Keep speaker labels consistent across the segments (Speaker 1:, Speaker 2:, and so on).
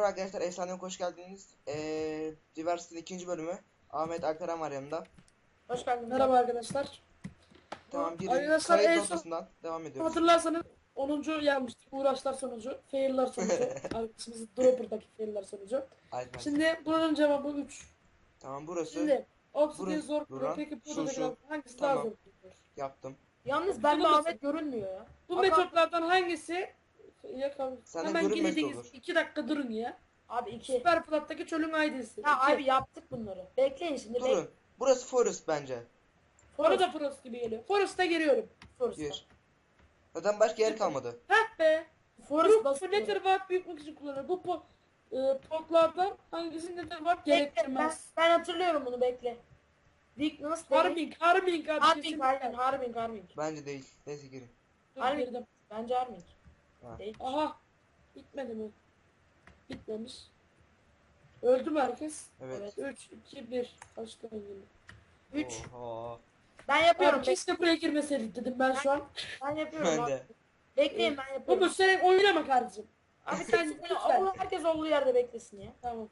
Speaker 1: Merhaba arkadaşlar, Efsane'ye hoş geldiniz. Diversity'nin ikinci bölümü. Ahmet Alperen var yanımda.
Speaker 2: Hoş geldiniz.
Speaker 3: Merhaba arkadaşlar.
Speaker 1: Tamam, girin.
Speaker 3: Arkadaşlar
Speaker 1: Kayıt
Speaker 3: en son
Speaker 1: noktasından devam ediyoruz.
Speaker 3: hatırlarsanız 10. gelmiştik. Uğraşlar sonucu, fail'lar sonucu. Arkadaşımızın Dropper'daki fail'lar sonucu.
Speaker 1: Alper.
Speaker 3: Şimdi bunun cevabı 3.
Speaker 1: Tamam, burası.
Speaker 3: Şimdi Obsidian
Speaker 1: Burası,
Speaker 3: zor.
Speaker 1: buran,
Speaker 3: Peki
Speaker 1: şu,
Speaker 3: buradakiler hangisi
Speaker 1: tamam.
Speaker 3: daha zor?
Speaker 1: Yaptım.
Speaker 2: Yalnız ben de Ahmet görünmüyor ya.
Speaker 3: Bu
Speaker 2: Hakan-
Speaker 3: metotlardan hangisi?
Speaker 1: Senden
Speaker 3: Hemen
Speaker 1: görünmesi
Speaker 3: girdiğiniz
Speaker 1: olur.
Speaker 3: 2 dakika durun ya.
Speaker 2: Abi 2.
Speaker 3: Süper Flat'taki çölün ID'si.
Speaker 2: Ha
Speaker 3: 2.
Speaker 2: abi yaptık bunları. Bekleyin şimdi.
Speaker 1: Durun. Burası Forest bence.
Speaker 3: Bana da Frost gibi geliyor. Forest'a giriyorum.
Speaker 1: Gir. Zaten başka yer kalmadı.
Speaker 3: Heh be.
Speaker 2: Forest
Speaker 3: Bu
Speaker 2: basıyor.
Speaker 3: Netherwart büyütmek için kullanılır. Bu potlardan hangisi Netherwart gerektirmez.
Speaker 2: Ben hatırlıyorum bunu, bekle. Weakness değil.
Speaker 3: Harming abi.
Speaker 2: Harming
Speaker 3: kesinlikle.
Speaker 2: aynen, Harming.
Speaker 1: Bence değil. Neyse, girin.
Speaker 3: Dur,
Speaker 2: Harming.
Speaker 3: girdim.
Speaker 2: Bence Harming.
Speaker 1: Ha.
Speaker 2: Değil.
Speaker 3: Aha. Bitmedi mi? Bitmemiş. Öldü mü herkes?
Speaker 1: Evet.
Speaker 3: 3, 2, 1. Başka oyun.
Speaker 2: 3.
Speaker 1: Oha.
Speaker 2: Ben yapıyorum.
Speaker 3: Abi keşke buraya girmeseydik dedim ben şu an.
Speaker 2: Ben yapıyorum
Speaker 1: Ben
Speaker 2: abi.
Speaker 1: de.
Speaker 2: Bekleyin, ben
Speaker 3: Bu
Speaker 2: yapıyorum.
Speaker 3: sen oynama kardeşim.
Speaker 2: Abi
Speaker 3: sen
Speaker 2: sen
Speaker 3: lütfen.
Speaker 2: herkes olduğu yerde beklesin ya.
Speaker 3: Tamam.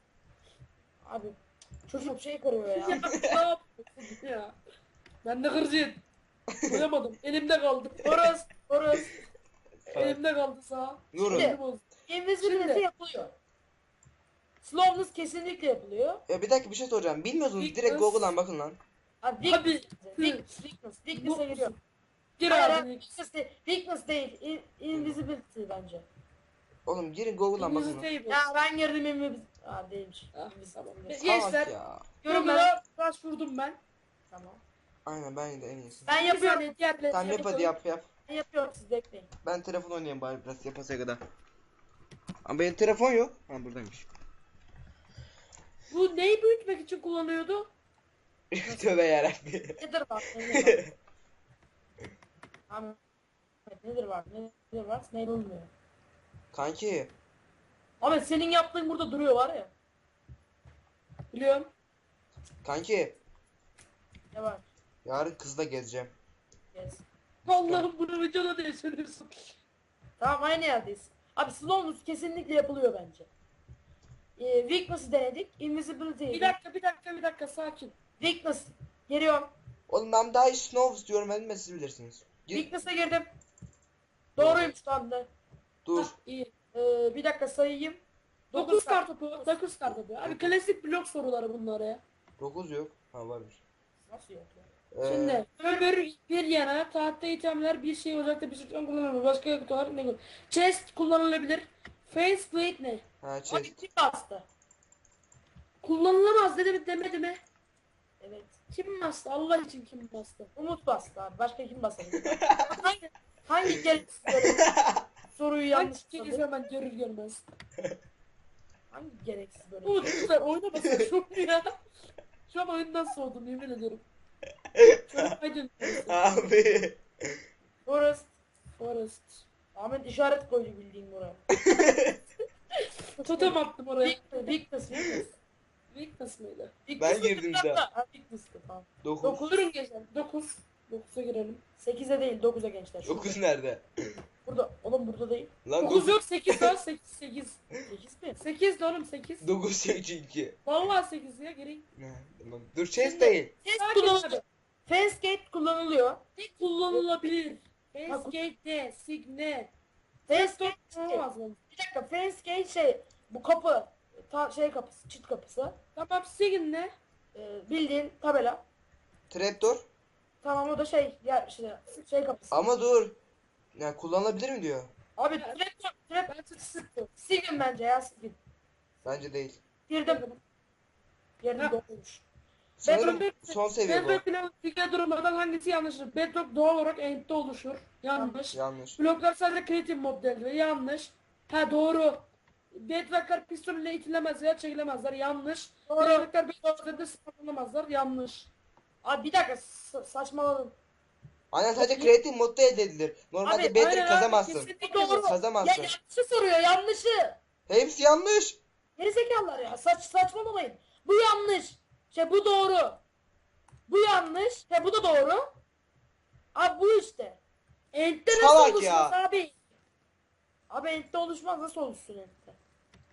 Speaker 2: Abi çocuk şey kırıyor ya.
Speaker 3: Ya ne yapıyorsun ya? Ben de kırıcıyım. Koyamadım. Elimde kaldı.
Speaker 2: Forest.
Speaker 3: Elimde kaldı sağ.
Speaker 1: Durun.
Speaker 3: Elim oldu.
Speaker 2: Invisibility
Speaker 3: Şimdi.
Speaker 2: yapılıyor. Slowness kesinlikle yapılıyor.
Speaker 1: Ya bir dakika, bir şey soracağım. Bilmiyorsunuz, direkt
Speaker 3: Weakness.
Speaker 1: Google'dan bakın lan.
Speaker 2: Abi
Speaker 3: Abi.
Speaker 2: Weakness'e giriyor.
Speaker 3: Gir
Speaker 2: Hayır,
Speaker 3: abi.
Speaker 2: weakness değil. Invisibility bence.
Speaker 1: Oğlum girin Google'dan bakın lan.
Speaker 3: Invisible.
Speaker 2: Ya ben girdim invisibility. Aa değilmiş.
Speaker 3: Ah, tamam.
Speaker 2: Invisibility.
Speaker 3: Gençler.
Speaker 1: Salak ya.
Speaker 3: Google'a başvurdum ben.
Speaker 2: Tamam.
Speaker 1: Aynen, ben de en iyisi.
Speaker 2: Ben
Speaker 3: Bir
Speaker 2: yapıyorum.
Speaker 3: saniye, diğerleri
Speaker 1: Tamam, yap hadi,
Speaker 3: yapalım.
Speaker 1: yap.
Speaker 2: Ben yapıyorum, siz bekleyin.
Speaker 1: Ben telefon oynayayım bari biraz, yapasaya kadar. Ama benim telefon yok. Ha, buradaymış.
Speaker 3: Bu neyi büyütmek için kullanıyordu?
Speaker 1: Tövbe yarabbim.
Speaker 2: Nedir var? Nedir var? Ahmet, nedir var? Nedir var? Ne bulmuyor?
Speaker 1: Kanki.
Speaker 2: Ahmet senin yaptığın burada duruyor var ya.
Speaker 3: Biliyorum.
Speaker 1: Kanki.
Speaker 2: Ne var?
Speaker 1: Yarın kızla gezeceğim.
Speaker 2: Yes.
Speaker 3: Allah'ım bunu videoda diye söylüyorsun.
Speaker 2: Tamam, aynı yerdeyiz. Abi slowness kesinlikle yapılıyor bence. Weakness'ı denedik. Invisibility'yi.
Speaker 3: Bir dakika sakin.
Speaker 2: Weakness. Giriyorum.
Speaker 1: Oğlum ben daha iyi Snow diyorum, ben siz bilirsiniz. Gir.
Speaker 2: Weakness'a girdim. Doğruymuş tam da.
Speaker 1: Dur.
Speaker 3: Hah, iyi.
Speaker 2: Bir dakika sayayım.
Speaker 3: 9 kartopu. 9 kartopu. Abi klasik blok soruları bunlar ya.
Speaker 1: 9 yok. Ha, varmış.
Speaker 2: Nasıl yok ya?
Speaker 3: Şimdi öbür bir yana tahta itemler bir şey ocakta bir sütun kullanılır. Başka yakıt olarak ne kullanılır? Chest kullanılabilir. Faceplate ne?
Speaker 1: Ha,
Speaker 2: Abi
Speaker 1: chest.
Speaker 2: kim bastı?
Speaker 3: Kullanılamaz dedi mi demedi mi?
Speaker 2: Evet.
Speaker 3: Kim bastı? Allah için kim bastı?
Speaker 2: Umut bastı abi. Başka kim bastı? hangi gereksiz böyle soruyu yanlış
Speaker 3: Yanlış kez
Speaker 2: sordu?
Speaker 3: hemen görür görmez.
Speaker 2: Hangi gereksiz böyle?
Speaker 3: Umut lütfen oynamasın şu ya. Şu an oyundan soğudum yemin ediyorum. Çocuk aydın.
Speaker 1: Abi.
Speaker 2: Forest.
Speaker 3: Forest.
Speaker 2: Ahmet işaret koydu bildiğin buraya.
Speaker 3: Totem attım oraya.
Speaker 2: Weakness.
Speaker 3: Weakness mıydı?
Speaker 1: Ben girdim de.
Speaker 2: Ha, Weakness'tı tamam.
Speaker 1: 9.
Speaker 3: Durun gençler. 9. 9'a girelim.
Speaker 2: 8'e değil 9'a gençler. Şurada.
Speaker 1: 9 nerede?
Speaker 2: Burada. Oğlum burada değil.
Speaker 1: Lan
Speaker 3: 9
Speaker 1: 9.
Speaker 3: yok 8 var 8 8.
Speaker 2: 8 mi?
Speaker 3: 8 de oğlum 8.
Speaker 1: 9 çünkü.
Speaker 3: Vallahi 8 ya gireyim.
Speaker 1: Ne? Tamam. Dur, chest değil.
Speaker 2: Fence kullanılıyor. Fence gate kullanılıyor.
Speaker 3: Kullanılabilir. Facegate ne? Signe.
Speaker 2: Fence gate
Speaker 3: Olmaz mı?
Speaker 2: bir dakika, fence gate bu kapı. Şey kapısı, çit kapısı.
Speaker 3: Tamam Sign ne?
Speaker 2: Bildiğin tabela.
Speaker 1: Trapdoor.
Speaker 2: Tamam, o da şey kapısı.
Speaker 1: Ama dur. Ya kullanılabilir mi diyor.
Speaker 2: Abi trap Sigin bence ya, Sigin.
Speaker 1: Bence değil.
Speaker 2: Girdim. Girdim,
Speaker 3: Ha.
Speaker 2: doğruymuş.
Speaker 1: Sanırım
Speaker 3: Bedrock-
Speaker 1: son seviye bu.
Speaker 3: Bedrock ile figür durumlardan hangisi yanlıştır? Bedrock doğal olarak End'de oluşur. Yanlış.
Speaker 1: Yanlış.
Speaker 3: Bloklar sadece creative modelde. Yanlış. Ha doğru. Bedrocklar piston ile itilemez veya çekilemezler. Yanlış.
Speaker 2: Doğru.
Speaker 3: Bedrocklar bedrocklarda sıfırlanamazlar. Yanlış.
Speaker 2: Abi bir dakika, saçmaladım.
Speaker 1: Aynen, sadece creative modda elde edilir. Normalde
Speaker 2: Abi,
Speaker 1: Bedrock
Speaker 3: aynen abi,
Speaker 1: kazamazsın.
Speaker 3: kesinlikle
Speaker 2: Doğru. Ya
Speaker 1: Kazamazsın.
Speaker 2: yanlışı soruyor, yanlışı.
Speaker 1: Hepsi yanlış.
Speaker 2: Gerizekalılar ya, saçmalamayın. Bu yanlış. Bu doğru. Bu yanlış. Bu da doğru. Abi bu işte. End'de nasıl
Speaker 1: Salak
Speaker 2: oluşmaz
Speaker 1: ya.
Speaker 2: abi? Abi End'de oluşmaz, nasıl oluşsun End'de?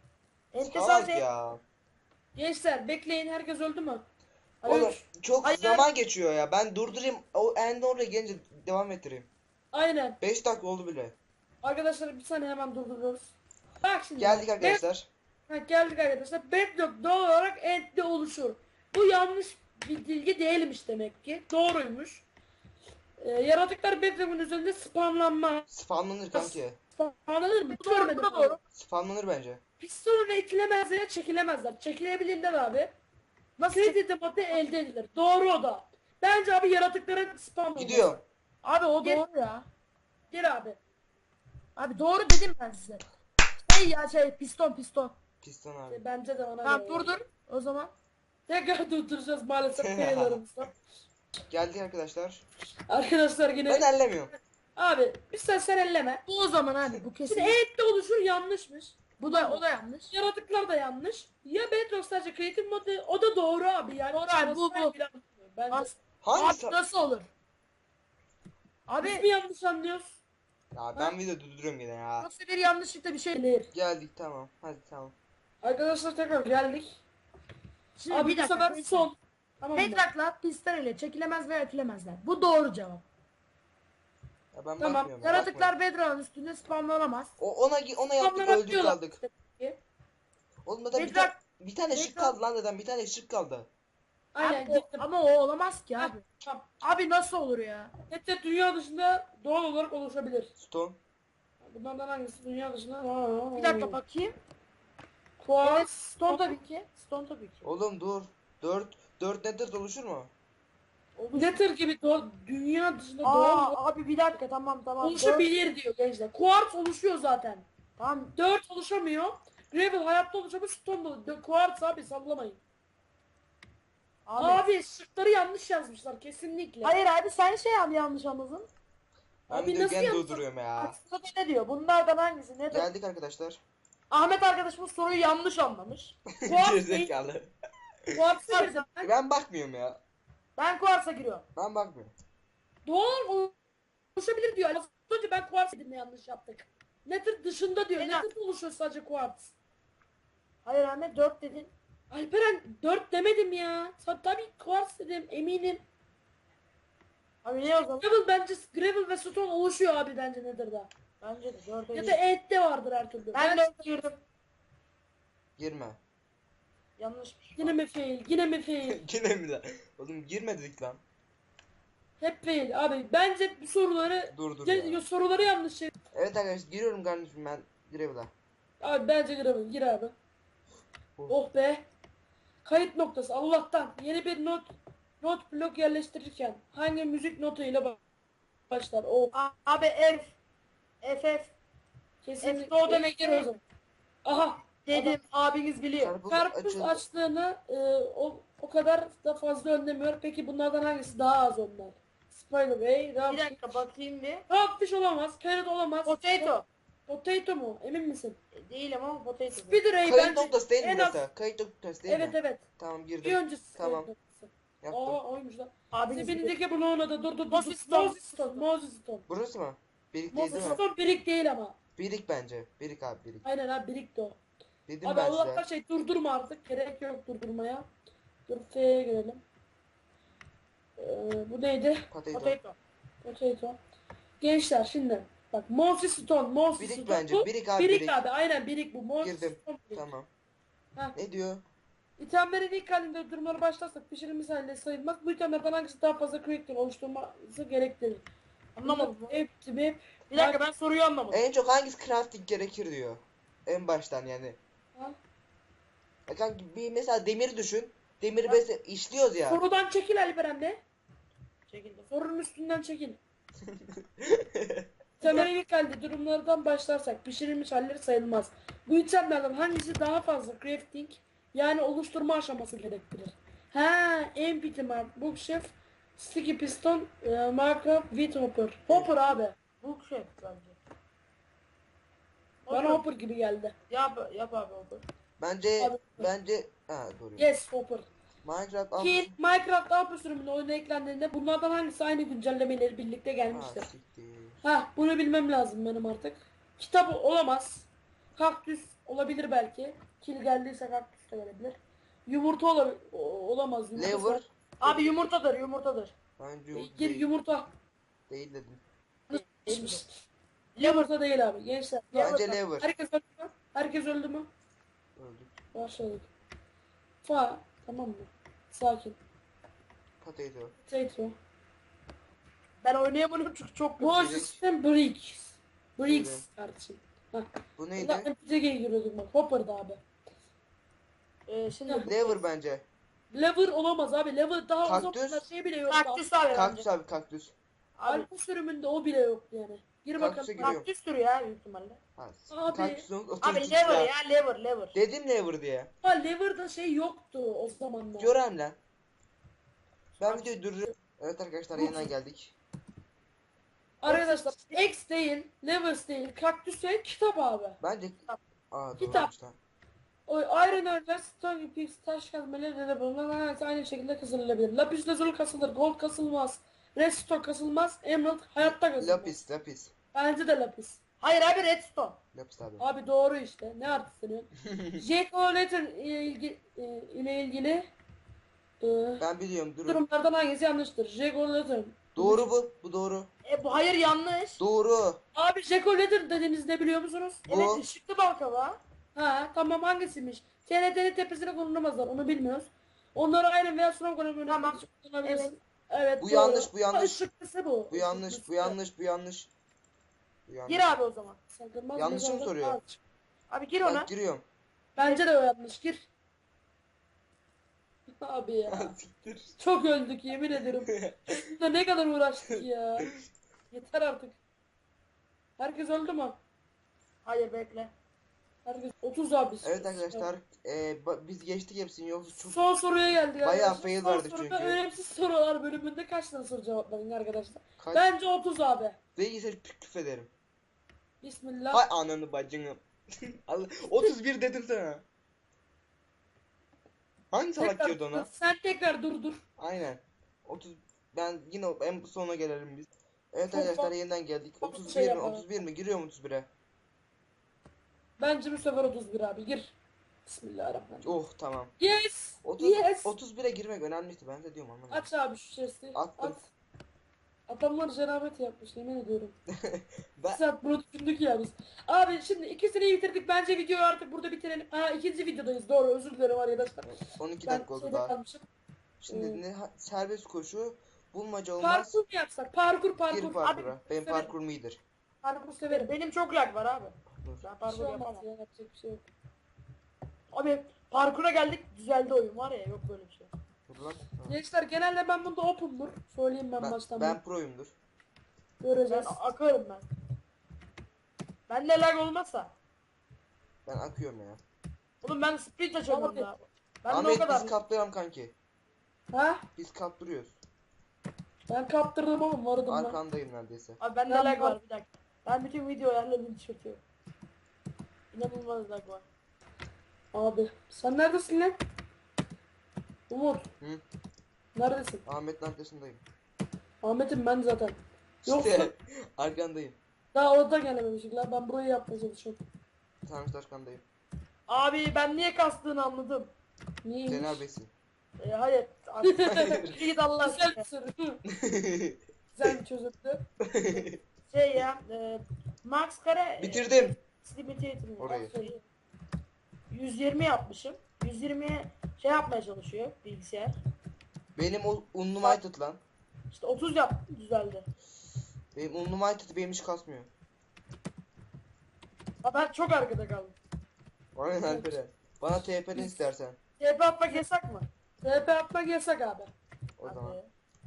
Speaker 2: Ente
Speaker 1: Salak
Speaker 2: sadece
Speaker 1: ya.
Speaker 3: Gençler bekleyin, herkes öldü mü?
Speaker 1: Oğlum
Speaker 3: Üç.
Speaker 1: çok
Speaker 2: Hayır.
Speaker 1: zaman geçiyor ya. Ben durdurayım. O en oraya gelince devam ettireyim.
Speaker 3: Aynen.
Speaker 1: 5 dakika oldu bile.
Speaker 3: Arkadaşlar bir saniye hemen durduruyoruz. Bak şimdi.
Speaker 1: Geldik arkadaşlar.
Speaker 3: Geldik arkadaşlar. Bedrock doğal olarak End'de oluşur. Bu yanlış bir bilgi değilmiş demek ki. Doğruymuş. Yaratıklar Bedrock'un üzerinde spamlanmaz.
Speaker 1: Spamlanır kanki.
Speaker 3: Spamlanır mı?
Speaker 2: Bu doğru,
Speaker 3: Görmedim
Speaker 2: bu da
Speaker 3: abi.
Speaker 2: doğru.
Speaker 1: Spamlanır bence.
Speaker 3: Pistonla itilemezler ya çekilemezler. Çekilebilirler abi. Nasıl madde elde edilir. Doğru o da. Bence abi yaratıkların spam olması.
Speaker 1: Gidiyor.
Speaker 2: Abi o
Speaker 3: Gel-
Speaker 2: doğru ya.
Speaker 3: Gel abi.
Speaker 2: Abi doğru dedim ben size. Piston.
Speaker 1: Piston abi.
Speaker 3: Bence de ona
Speaker 2: Tamam
Speaker 3: göre.
Speaker 2: dur. O zaman.
Speaker 3: Tekrar durduracağız maalesef faillerimizden.
Speaker 1: Geldik arkadaşlar.
Speaker 3: Arkadaşlar yine.
Speaker 1: Ben ellemiyorum.
Speaker 3: Abi sen elleme.
Speaker 2: Bu o zaman abi bu kesin.
Speaker 3: Şimdi End'de oluşur yanlışmış.
Speaker 2: O da yanlış.
Speaker 3: Yaratıklar da yanlış. Ya Bedrock sadece creative modu, o da doğru abi yani.
Speaker 2: Doğru abi, bu.
Speaker 3: Bence.
Speaker 2: As-
Speaker 1: Hangisi?
Speaker 2: Abi nasıl olur?
Speaker 3: Biz mi
Speaker 2: Abi
Speaker 3: yanlış anlıyoruz?
Speaker 1: Ya ben video durduruyorum yine ya.
Speaker 2: nasıl bir yanlışlıkla bir şey.
Speaker 3: Değil.
Speaker 1: Geldik tamam. Hadi tamam.
Speaker 3: Arkadaşlar tekrar geldik.
Speaker 2: Şimdi
Speaker 3: Abi
Speaker 2: bir
Speaker 3: bu sefer
Speaker 2: dakika.
Speaker 3: son. Tamam mı?
Speaker 2: Bedrock'la piston ile çekilemez veya itilemezler. Bu doğru cevap.
Speaker 1: Ya ben
Speaker 3: Tamam,
Speaker 1: bakmıyorum.
Speaker 2: Yaratıklar Bedrock'un üstünde spamlanamaz.
Speaker 1: Ona yaptık öldük
Speaker 3: Spamlanabiliyorlar.
Speaker 1: kaldık. Oğlum zaten
Speaker 2: Bedrock-
Speaker 1: bir tane şık
Speaker 2: Bedrock-
Speaker 1: kaldı lan zaten. Bir tane şık kaldı.
Speaker 3: Aynen
Speaker 2: Abi,
Speaker 3: gittim.
Speaker 2: ama o olamaz ki abi.
Speaker 3: Tamam.
Speaker 2: Abi nasıl olur ya?
Speaker 3: Hatta dünya dışında doğal olarak oluşabilir.
Speaker 1: Stone.
Speaker 3: Bunlardan hangisi dünya dışında?
Speaker 2: Bir dakika bakayım. Evet,
Speaker 3: Quartz.
Speaker 2: Stone tabii ki. Stone tabii ki.
Speaker 1: Oğlum dur. 4 nether oluşur mu?
Speaker 3: Nether gibi dünya dışında doğal olarak
Speaker 2: Abi bir dakika tamam.
Speaker 3: oluşabilir diyor gençler. Quartz oluşuyor zaten.
Speaker 2: Tamam.
Speaker 3: 4 oluşamıyor. Gravel hayatta oluşamıyor. Stone da. Quartz abi sallamayın.
Speaker 2: Abi.
Speaker 3: Abi şıkları yanlış yazmışlar kesinlikle.
Speaker 2: Hayır abi sen yanlış anladın.
Speaker 1: Ben
Speaker 3: Abi
Speaker 1: video
Speaker 3: nasıl
Speaker 1: gene
Speaker 3: yapsın?
Speaker 1: durduruyorum ya.
Speaker 2: Aslında ne diyor? Bunlardan hangisi? Ne diyor?
Speaker 1: Geldik arkadaşlar.
Speaker 2: Ahmet arkadaşımız soruyu yanlış anlamış.
Speaker 3: Quartz değil.
Speaker 1: Gerizekalı.
Speaker 3: Quartz'a girdim.
Speaker 1: Ben bakmıyorum ya.
Speaker 2: Ben Quartz'a giriyorum.
Speaker 1: Ben bakmıyorum.
Speaker 3: Doğal oluşabilir diyor. Az önce ben Quartz dedim yanlış yaptık. Nether dışında diyor.
Speaker 2: Ena-
Speaker 3: Nether oluşuyor sadece Quartz.
Speaker 2: Hayır Ahmet 4 dedin.
Speaker 3: Alperen 4 demedim ya. Tabii Quartz dedim eminim.
Speaker 2: Abi ne o zaman?
Speaker 3: Gravel ve Stone oluşuyor abi bence Nether'da.
Speaker 2: Bence de 4'e
Speaker 3: Ya da
Speaker 2: girdim.
Speaker 3: End'de vardır her türlü.
Speaker 2: Ben 4'e girdim.
Speaker 1: Girme.
Speaker 2: Yanlışmış.
Speaker 3: Yine mi fail? Yine mi fail?
Speaker 1: Yine mi lan? Oğlum girme dedik lan.
Speaker 3: Hep fail abi. Bence bu soruları
Speaker 1: Dur
Speaker 3: ya, soruları yanlış şey.
Speaker 1: Evet arkadaşlar giriyorum kardeşim ben Gravel'a.
Speaker 3: Abi bence Gravel gir abi. Oh be. Kayıt noktası Allah'tan yeni bir not blok yerleştirirken hangi müzik notuyla başlar? Oh
Speaker 2: Abi F
Speaker 3: kesinlikle.
Speaker 2: F o demek
Speaker 3: Gir
Speaker 2: değil.
Speaker 3: o zaman. Aha
Speaker 2: dedim. Abiniz biliyor.
Speaker 1: Karpuz
Speaker 3: karpuz
Speaker 1: açıldı.
Speaker 3: açtığını o kadar da fazla önlemiyor. Peki bunlardan hangisi daha az onlar? Spiderway,
Speaker 2: Bir
Speaker 3: Rockfish.
Speaker 2: dakika bakayım bir.
Speaker 3: Rockfish olamaz, Carrot olamaz.
Speaker 2: Potato.
Speaker 3: Potato mu? Emin misin?
Speaker 2: Değil ama potato.
Speaker 3: Spiderway
Speaker 1: Kayıt
Speaker 3: bence
Speaker 1: noktası değil mi
Speaker 3: en az.
Speaker 1: burası? Kayıt noktası değil
Speaker 3: Evet
Speaker 1: mi?
Speaker 3: evet.
Speaker 1: Tamam
Speaker 3: Bir
Speaker 1: girdim.
Speaker 3: öncesi.
Speaker 1: Tamam.
Speaker 3: kayıt noktası.
Speaker 1: Yaptım.
Speaker 3: Aa oymuş lan.
Speaker 2: Abiniz biliyor.
Speaker 3: Dibindeki bloğuna da dur.
Speaker 2: Moses Stone.
Speaker 3: Moses Stone.
Speaker 1: Burası mı? Birik değil
Speaker 3: Moses
Speaker 1: değil mi?
Speaker 3: Stone birik değil ama.
Speaker 1: Birik bence. Birik abi birik.
Speaker 3: Aynen abi birik de o.
Speaker 1: Dedim
Speaker 3: Abi
Speaker 1: ben
Speaker 3: Allah
Speaker 1: size.
Speaker 3: durdurma artık. Gerek yok durdurmaya. Dur F'ye girelim. Bu neydi?
Speaker 1: Potato.
Speaker 2: Potato.
Speaker 3: Potato. Gençler şimdi. Bak Moses Stone.
Speaker 1: Birik bence.
Speaker 3: Bu
Speaker 1: Birik abi
Speaker 3: birik
Speaker 1: birik.
Speaker 3: abi. Aynen birik bu. Moses
Speaker 1: Girdim.
Speaker 3: Stone birik.
Speaker 1: Tamam.
Speaker 3: Ha.
Speaker 1: Ne diyor?
Speaker 3: İtemlerin ilk halinde durumları başlarsak pişirilmiş halinde sayılmaz. Bu itemlerden hangisi daha fazla quick'tir oluşturması gerektirir?
Speaker 2: Anlamadım.
Speaker 3: Hepsi
Speaker 2: Bir dakika ben soruyu anlamadım.
Speaker 1: En çok hangisi crafting gerekir diyor. En baştan yani.
Speaker 3: Ha?
Speaker 1: Ya kanka bir mesela demir düşün. Demiri
Speaker 3: Ha.
Speaker 1: mesela işliyoruz ya.
Speaker 3: Sorudan çekil Alperen de.
Speaker 2: Çekildim.
Speaker 3: Sorunun üstünden çekil. İtemlerin ilk halde durumlardan başlarsak pişirilmiş halleri sayılmaz. Bu itemlerden hangisi daha fazla crafting yani oluşturma aşaması gerektirir? Ha, empty map, bookshelf, sticky piston, markup, wheat hopper. Hopper abi.
Speaker 2: Bu şey bence.
Speaker 3: Bana hopper gibi geldi.
Speaker 2: Yap abi hopper.
Speaker 1: Bence
Speaker 3: Abi.
Speaker 1: bence ha doğru.
Speaker 3: Yes hopper.
Speaker 1: Minecraft
Speaker 3: Ki Minecraft Alpha sürümünün oyuna eklendiğinde bunlardan hangisi aynı güncellemeleri birlikte
Speaker 1: Ha,
Speaker 3: gelmiştir?
Speaker 1: siktir.
Speaker 3: Ha bunu bilmem lazım benim artık. Kitap olamaz. Kaktüs olabilir belki. Kill geldiyse kaktüs de gelebilir. Yumurta olamaz. Yumurta
Speaker 1: Lever.
Speaker 2: Abi yumurtadır yumurtadır.
Speaker 1: Bence
Speaker 3: Gir
Speaker 1: değil.
Speaker 3: yumurta.
Speaker 1: Değil dedim.
Speaker 3: Yumurta değil abi gençler.
Speaker 1: Bence lever.
Speaker 3: Herkes öldü mü? Herkes öldü mü?
Speaker 1: Öldük.
Speaker 3: Başladık. Tamam mı? Sakin.
Speaker 1: Potato.
Speaker 3: Potato.
Speaker 2: Ben oynayamadım çünkü çok
Speaker 3: Bu
Speaker 2: kötü.
Speaker 3: sistem Bricks.
Speaker 1: Öyle.
Speaker 3: Bricks kardeşim. Hah.
Speaker 1: Bu
Speaker 3: Burada
Speaker 1: neydi?
Speaker 3: MPC'ye giriyorduk bak. Hopper'da abi.
Speaker 2: Şimdi
Speaker 1: Lever bence.
Speaker 3: Lever olamaz abi. Lever daha o
Speaker 1: Kaktüs.
Speaker 3: zamanlar şey bile yok.
Speaker 2: kaktüs abi
Speaker 1: Kaktüs
Speaker 2: bence.
Speaker 1: abi kaktüs.
Speaker 2: Abi
Speaker 3: Alfa sürümünde o bile yok yani. Gir
Speaker 1: Kaktüse
Speaker 3: bakalım.
Speaker 1: giriyorum.
Speaker 2: kaktüs türü ya büyük ihtimalle.
Speaker 1: Ha,
Speaker 3: Abi.
Speaker 1: kaktüsün
Speaker 2: Abi
Speaker 1: otomatik
Speaker 2: lever
Speaker 1: ya.
Speaker 2: ya lever.
Speaker 1: Dedim lever diye.
Speaker 3: Ha Lever'da şey yoktu o zamanlar.
Speaker 1: Görem lan. Ben videoyu durduruyorum. Evet arkadaşlar yeniden geldik.
Speaker 3: Arkadaşlar X değil, Levers değil, kaktüs değil, kitap abi.
Speaker 1: Bence... Aa
Speaker 3: Kitap.
Speaker 1: doğruymuş lan.
Speaker 3: O Iron Ore, Stone Pix, taş kazmaları da bulunan herkes aynı şekilde kazanılabilir. Lapis lazuli kasılır, gold kasılmaz, redstone kasılmaz, emerald hayatta kasılmaz.
Speaker 1: Lapis.
Speaker 3: Bence de lapis.
Speaker 2: Hayır abi redstone.
Speaker 1: Lapis abi.
Speaker 3: Abi doğru işte. Ne artistini? Jack O'Lantern ile ilgili
Speaker 1: Ben biliyorum durun.
Speaker 3: durumlardan hangisi yanlıştır? Jack O'Lantern.
Speaker 1: Doğru bu. Bu doğru.
Speaker 2: Bu hayır yanlış.
Speaker 1: Doğru.
Speaker 3: Abi Jack O'Lantern dediğiniz ne biliyor musunuz?
Speaker 1: Bu.
Speaker 2: Evet ışıklı baklava.
Speaker 3: Ha tamam hangisiymiş? TNT'nin tepesine konulmazlar onu bilmiyoruz. Onları aynen veya sınav konumu
Speaker 2: Tamam.
Speaker 3: kullanabilirsin. Evet.
Speaker 1: Bu
Speaker 3: doğru.
Speaker 1: yanlış, bu yanlış.
Speaker 3: Işıklısı bu.
Speaker 1: Bu yanlış.
Speaker 3: Işıklısı.
Speaker 1: Bu yanlış. Bu yanlış. Bu yanlış.
Speaker 2: Gir abi o zaman.
Speaker 3: Sakınmaz
Speaker 1: Yanlış mı
Speaker 3: mezarlık
Speaker 1: soruyor?
Speaker 3: ağaç.
Speaker 2: Abi gir
Speaker 1: Ben
Speaker 2: ona.
Speaker 1: giriyorum.
Speaker 3: Bence de o yanlış gir. Abi ya.
Speaker 1: Siktir.
Speaker 3: Çok öldük yemin ederim. Şurada ne kadar uğraştık ya. Yeter artık. Herkes öldü mü?
Speaker 2: Hayır bekle.
Speaker 3: Herkes 30 abi.
Speaker 1: Evet arkadaşlar. Biz geçtik hepsini yoksa çok...
Speaker 3: Son soruya geldik.
Speaker 1: Bayağı
Speaker 3: arkadaşlar.
Speaker 1: fail
Speaker 3: Son
Speaker 1: verdik
Speaker 3: soruda
Speaker 1: çünkü.
Speaker 3: önemsiz sorular bölümünde kaç tane soru cevapladın arkadaşlar?
Speaker 1: Kaç...
Speaker 3: Bence 30 abi.
Speaker 1: Bilgisayarı küfrederim.
Speaker 3: Bismillah.
Speaker 1: Hay ananı bacını. Allah, 31 dedim sana. Hangi salak
Speaker 3: Tekrar
Speaker 1: diyordu ona?
Speaker 3: dur. Sen tekrar dur.
Speaker 1: Aynen. 30 ben yine en sona gelelim biz. Evet
Speaker 3: Çok
Speaker 1: arkadaşlar
Speaker 3: fa-
Speaker 1: yeniden geldik.
Speaker 3: çok
Speaker 1: 31
Speaker 3: şey
Speaker 1: mi?
Speaker 3: yapalım.
Speaker 1: 31 mi? Giriyorum 31'e.
Speaker 3: Bence bu sefer 31 abi gir. Bismillahirrahmanirrahim.
Speaker 1: Oh tamam.
Speaker 3: Yes.
Speaker 1: 30
Speaker 3: Yes.
Speaker 1: 31'e girmek önemliydi. Ben de diyorum anlamadım.
Speaker 3: Aç abi şu chest'i.
Speaker 1: Attım.
Speaker 3: At. Adamlar cenabet yapmış yemin ediyorum.
Speaker 1: Ben
Speaker 3: Saat bunu düşündük ya biz. Abi şimdi ikisini bitirdik. Bence videoyu artık burada bitirelim. Ha ikinci videodayız. Doğru özür dilerim arkadaşlar.
Speaker 1: 12
Speaker 3: Ben
Speaker 1: dakika oldu
Speaker 3: şeyde
Speaker 1: daha.
Speaker 3: kalmışım.
Speaker 1: Şimdi serbest koşu bulmaca olmaz.
Speaker 3: Parkur mu yapsak? Parkur.
Speaker 1: Gir
Speaker 3: Parkur.
Speaker 1: parkura. Benim
Speaker 3: severim.
Speaker 1: parkurum iyidir.
Speaker 3: Parkur severim.
Speaker 2: Benim çok lag var abi.
Speaker 1: Dur.
Speaker 2: Ben
Speaker 3: Bir
Speaker 2: parkur
Speaker 3: şey olmaz
Speaker 2: yapamam.
Speaker 3: ya, yapacak bir şey yok.
Speaker 2: Abi parkura geldik düzeldi oyun var ya yok böyle bir şey.
Speaker 1: Dur lan. Ha.
Speaker 3: Gençler genelde ben bunda open'dur. Söyleyeyim ben baştan.
Speaker 1: Ben proyumdur.
Speaker 3: Göreceğiz.
Speaker 2: Ben akarım ben. Bende lag olmazsa.
Speaker 1: Ben akıyorum ya.
Speaker 2: Oğlum ben sprint açamıyorum
Speaker 3: Abi.
Speaker 2: ya. Ben de o
Speaker 1: Ahmet
Speaker 2: kadar.
Speaker 1: biz kaptıralım kanki.
Speaker 3: Ha?
Speaker 1: Biz kaptırıyoruz.
Speaker 3: Ben kaptırdım oğlum vardım ben.
Speaker 1: Arkandayım neredeyse.
Speaker 2: Abi bende
Speaker 3: Ben
Speaker 2: lag
Speaker 3: var.
Speaker 2: var bir dakika. Ben bütün video ayarlarını çekiyorum. İnanılmaz lag var.
Speaker 3: Abi sen neredesin lan? Umut.
Speaker 1: Hı?
Speaker 3: Neredesin?
Speaker 1: Ahmet'in arkasındayım.
Speaker 3: Ahmet'im ben zaten. Yoksa
Speaker 1: İşte arkandayım.
Speaker 3: daha orada gelememişik lan. Ben burayı yapmaya çalışıyorum.
Speaker 1: Tamam işte arkandayım.
Speaker 2: Abi ben niye kastığını anladım.
Speaker 3: Niye?
Speaker 1: Cener Bey'sin.
Speaker 2: Hayır. Abi, git Allah
Speaker 3: Güzel
Speaker 2: aşkına.
Speaker 3: bir soru. Güzel bir çözümdü.
Speaker 2: Şey ya. Max kare.
Speaker 1: Bitirdim.
Speaker 2: Limitator'ın
Speaker 1: Orayı.
Speaker 2: 120 yapmışım. 120'ye şey yapmaya çalışıyor bilgisayar.
Speaker 1: Benim Unlimited lan.
Speaker 2: İşte 30 yaptım düzeldi.
Speaker 1: Benim Unlimited benim hiç kasmıyor.
Speaker 2: Ama ben çok arkada kaldım.
Speaker 1: Aynen Alperen. Bana TP'den istersen.
Speaker 2: TP atmak yasak mı?
Speaker 3: TP atmak yasak abi.
Speaker 1: O
Speaker 2: Hadi.
Speaker 1: zaman.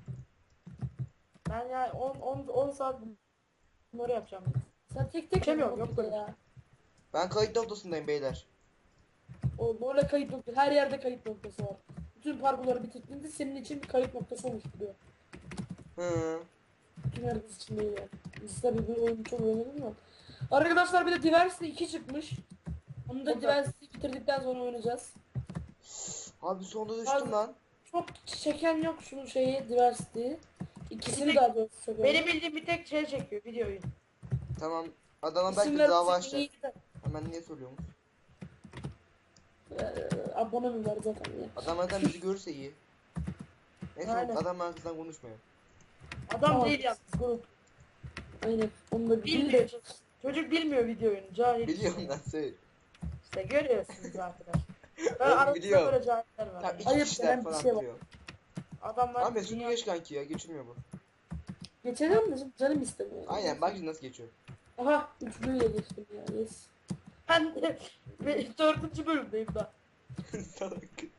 Speaker 2: Ben ya 10 saat bunları yapacağım.
Speaker 3: Sen tek
Speaker 2: Geçemiyorum, yok
Speaker 3: yapıyorsun
Speaker 2: böyle.
Speaker 3: ya.
Speaker 1: Ben kayıt noktasındayım beyler.
Speaker 3: O böyle kayıt noktası. Her yerde kayıt noktası var. Bütün parkurları bitirdiğinde senin için bir kayıt noktası oluşturuyor.
Speaker 1: Hı.
Speaker 3: Bütün herkes için değil yani. Biz tabii bu oyunu çok oynadık mı? Arkadaşlar bir de Diversity 2 çıkmış. Onu da Diversity'yi bitirdikten sonra oynayacağız.
Speaker 1: Abi sonunda düştüm
Speaker 3: Abi-
Speaker 1: lan.
Speaker 3: Çok çeken yok şunun şeyi Diversity'yi. İkisini
Speaker 2: Bir
Speaker 3: daha doğrusu çekiyorum.
Speaker 2: Benim bildiğim bir tek şey çekiyor videoyu.
Speaker 1: Tamam. Adama belki
Speaker 3: İsimler
Speaker 1: dava
Speaker 3: senin
Speaker 1: açacak.
Speaker 3: iyiydi de.
Speaker 1: Hemen niye söylüyorsun?
Speaker 3: Abone mi var zaten ya.
Speaker 1: Adam zaten bizi görürse iyi. Neyse
Speaker 2: Aynen.
Speaker 1: adam arkasından konuşmuyor.
Speaker 2: Adam
Speaker 3: Tamam.
Speaker 2: değil yalnız grup.
Speaker 3: Aynen. Onu da
Speaker 2: Bilmiyor. Çocuk bilmiyor video oyunu. Cahil.
Speaker 1: Biliyorum lan söyle.
Speaker 2: İşte görüyorsunuz arkadaşlar.
Speaker 1: Oğlum,
Speaker 2: Ben aramızda
Speaker 1: biliyor.
Speaker 2: böyle cahiller var.
Speaker 1: Tam
Speaker 2: yani.
Speaker 1: iki
Speaker 3: Ayıp
Speaker 1: kişiler
Speaker 3: denen bir
Speaker 1: falan
Speaker 3: şey var.
Speaker 1: biliyor.
Speaker 2: Adamlar
Speaker 1: Ahmet şunu geç kanki ya geçilmiyor bu.
Speaker 3: Geçeceğim de şimdi canım istemiyor.
Speaker 1: Aynen bak şimdi nasıl geçiyor.
Speaker 3: Aha üçlüyle geçtim ya. Yes.
Speaker 2: Ben de 4. bölümdeyim daha.
Speaker 1: Salak.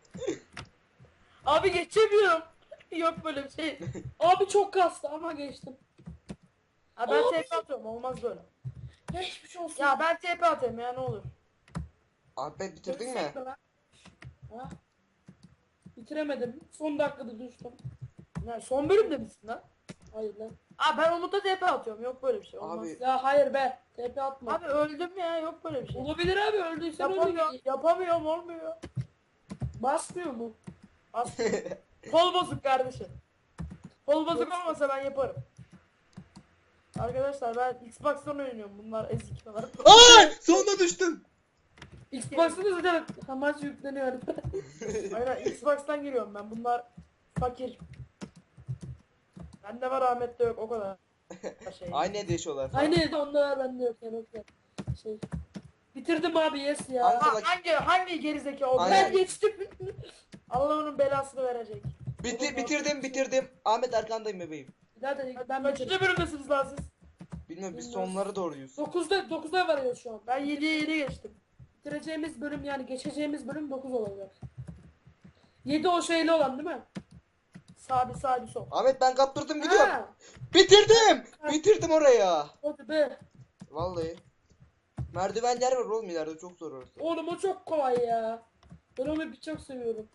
Speaker 2: Abi geçemiyorum. Yok böyle bir şey.
Speaker 3: Abi çok kastı ama geçtim.
Speaker 2: Ha, ben
Speaker 3: Abi.
Speaker 2: TP atıyorum olmaz böyle.
Speaker 3: Geçmiş olsun.
Speaker 2: Ya ben TP atayım ya ne olur.
Speaker 1: Ahmet bitirdin mi?
Speaker 3: Geçsek lan? Ha? Bitiremedim. Son dakikada düştüm.
Speaker 2: Ya son bölümde misin lan?
Speaker 3: Hayır lan.
Speaker 2: Aa ben Umut'a TP atıyorum yok böyle bir şey olmaz.
Speaker 1: Abi
Speaker 3: Ya hayır be. TP atma.
Speaker 2: Abi öldüm ya yok böyle bir şey.
Speaker 3: Olabilir abi öldüysen öyle.
Speaker 2: Yapamıyorum olmuyor.
Speaker 3: Basmıyor mu?
Speaker 2: As Kol bozuk kardeşim. Kol bozuk olmasa ben yaparım. Arkadaşlar ben Xbox'tan oynuyorum bunlar ezik falan.
Speaker 1: Ay sonunda düştüm.
Speaker 3: Xbox'ta da zaten amaç yükleniyor.
Speaker 2: Aynen Xbox'tan giriyorum ben bunlar fakir. Bende var Ahmet'te yok o kadar. Şey.
Speaker 1: Aynı evde yaşıyorlar falan.
Speaker 3: Aynı evde onda var bende yok yani o kadar. Şey. Bitirdim abi yes ya.
Speaker 1: Abi-
Speaker 2: Ha, hangi gerizekalı o?
Speaker 1: Aynen.
Speaker 3: Ben geçtim.
Speaker 2: Allah onun belasını verecek.
Speaker 1: Bitirdim. Ahmet arkandayım bebeğim.
Speaker 3: Zaten ben
Speaker 2: Kaçıncı
Speaker 3: bitirdim.
Speaker 2: bölümdesiniz lan siz?
Speaker 1: Bilmiyorum biz
Speaker 3: Bilmiyorum.
Speaker 1: sonlara doğruyuz.
Speaker 3: 9'da varıyoruz şu an.
Speaker 2: Ben 7'ye 7 geçtim.
Speaker 3: Bitireceğimiz bölüm yani geçeceğimiz bölüm 9 olacak. 7 o şeyli olan değil mi?
Speaker 2: Sağ bir sol.
Speaker 1: Ahmet ben kaptırdım gidiyorum.
Speaker 3: Ha,
Speaker 1: Bitirdim oraya.
Speaker 3: hadi be.
Speaker 1: Vallahi. Merdivenler var oğlum ileride çok zor orası.
Speaker 3: Oğlum o çok kolay ya. Ben onu bir çok seviyorum.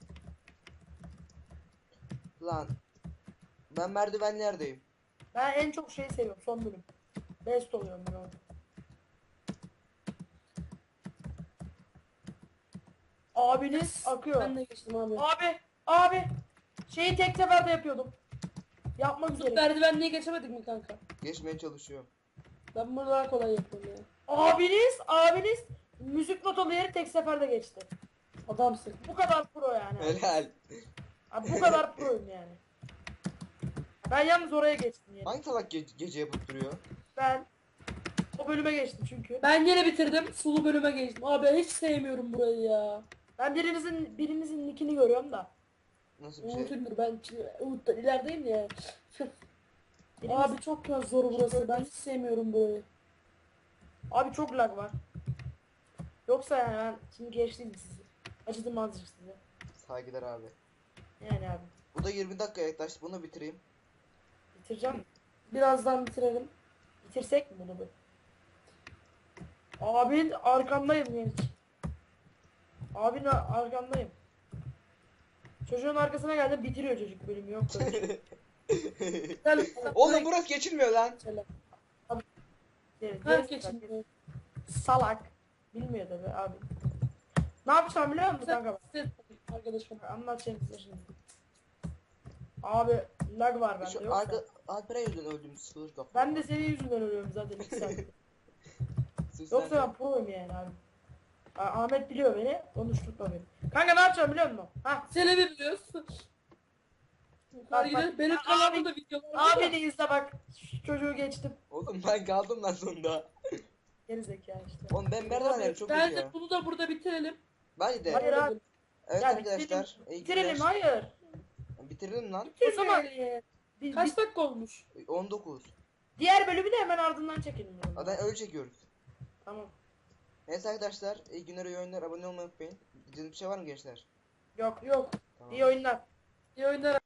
Speaker 1: Lan. Ben merdivenlerdeyim.
Speaker 2: Ben en çok şeyi seviyorum son bölüm. Best oluyorum ben orada. Abiniz akıyor.
Speaker 3: Ben de geçtim abi.
Speaker 2: Abi. Şeyi tek seferde yapıyordum. Yapmak üzere.
Speaker 3: Merdivenliğe geçemedik mi kanka?
Speaker 1: Geçmeye çalışıyorum.
Speaker 3: Ben bunu daha kolay yapıyorum ya.
Speaker 2: Abiniz müzik notalı yeri tek seferde geçti.
Speaker 3: Adamsın.
Speaker 2: Bu kadar pro yani.
Speaker 1: Helal.
Speaker 2: Abi bu kadar proyum yani. Ben yalnız oraya geçtim yani.
Speaker 1: Hangi salak gece yapıp duruyor?
Speaker 2: Ben o bölüme geçtim çünkü.
Speaker 3: Ben yine bitirdim. Sulu bölüme geçtim. Abi hiç sevmiyorum burayı ya.
Speaker 2: Ben birinizin nickini görüyorum da.
Speaker 1: Nasıl bir şey?
Speaker 3: Umut'undur ben Umut'tan ilerideyim ya.
Speaker 2: Biriniz-
Speaker 3: Abi çok ya zor burası. Ben hiç sevmiyorum burayı.
Speaker 2: Abi çok lag var. Yoksa yani ben şimdi geçtim sizi. Acıdım azıcık size.
Speaker 1: Saygılar abi.
Speaker 2: Yani abi.
Speaker 1: Bu da 20 dakika yaklaştı. Bunu bitireyim.
Speaker 2: Bitireceğim.
Speaker 3: Birazdan bitirelim.
Speaker 2: Bitirsek mi bunu bir? Abin arkandayım genç. Abin arkandayım. Çocuğun arkasına geldim bitiriyor çocuk bölümü yok böyle şey.
Speaker 3: Gel.
Speaker 1: Oğlum burası geçilmiyor lan.
Speaker 3: Selam.
Speaker 2: Geri-
Speaker 3: Herkesin.
Speaker 2: geri- Salak. Bilmiyor tabi abi. Ne yapacağım biliyor musun kanka?
Speaker 3: Arkadaşım.
Speaker 2: Anlatacağım size şimdi. Abi lag var bende
Speaker 1: Şu
Speaker 2: yoksa.
Speaker 1: Alperen yüzünden öldüm. Sıfır kafa.
Speaker 2: Ben de senin yüzünden ölüyorum zaten 2 saat. Yoksa ben pro'yum yani abi. Ahmet biliyor beni, konuşturma beni. Kanka ne yapacağım biliyor musun? Ha,
Speaker 3: Seni mi biliyorsun?
Speaker 2: Bak,
Speaker 3: Benim
Speaker 2: abi-
Speaker 3: kanalımda videolar var ya.
Speaker 2: abini izle bak. Şu çocuğu geçtim.
Speaker 1: Oğlum ben kaldım lan sonunda.
Speaker 2: Geri zekalı işte.
Speaker 1: Oğlum ben merdivenlerim çok kötü
Speaker 3: Bence
Speaker 1: ya.
Speaker 3: bunu da burada bitirelim.
Speaker 1: Bence de.
Speaker 2: Hayır abi.
Speaker 1: Evet
Speaker 2: Ya
Speaker 1: arkadaşlar. iyi
Speaker 2: Bitirelim
Speaker 1: günler.
Speaker 2: hayır.
Speaker 1: Bitirelim lan.
Speaker 2: O zaman
Speaker 3: Kaç dakika olmuş?
Speaker 1: 19.
Speaker 2: diğer bölümü de hemen ardından çekelim. o zaman.
Speaker 1: Zaten öyle çekiyoruz.
Speaker 2: Tamam.
Speaker 1: Neyse arkadaşlar. İyi günler, iyi oyunlar. Abone olmayı unutmayın. Diyeceğiniz bir şey var mı gençler?
Speaker 2: Yok.
Speaker 3: Yok.
Speaker 1: Tamam.
Speaker 2: İyi oyunlar.
Speaker 3: İyi oyunlar.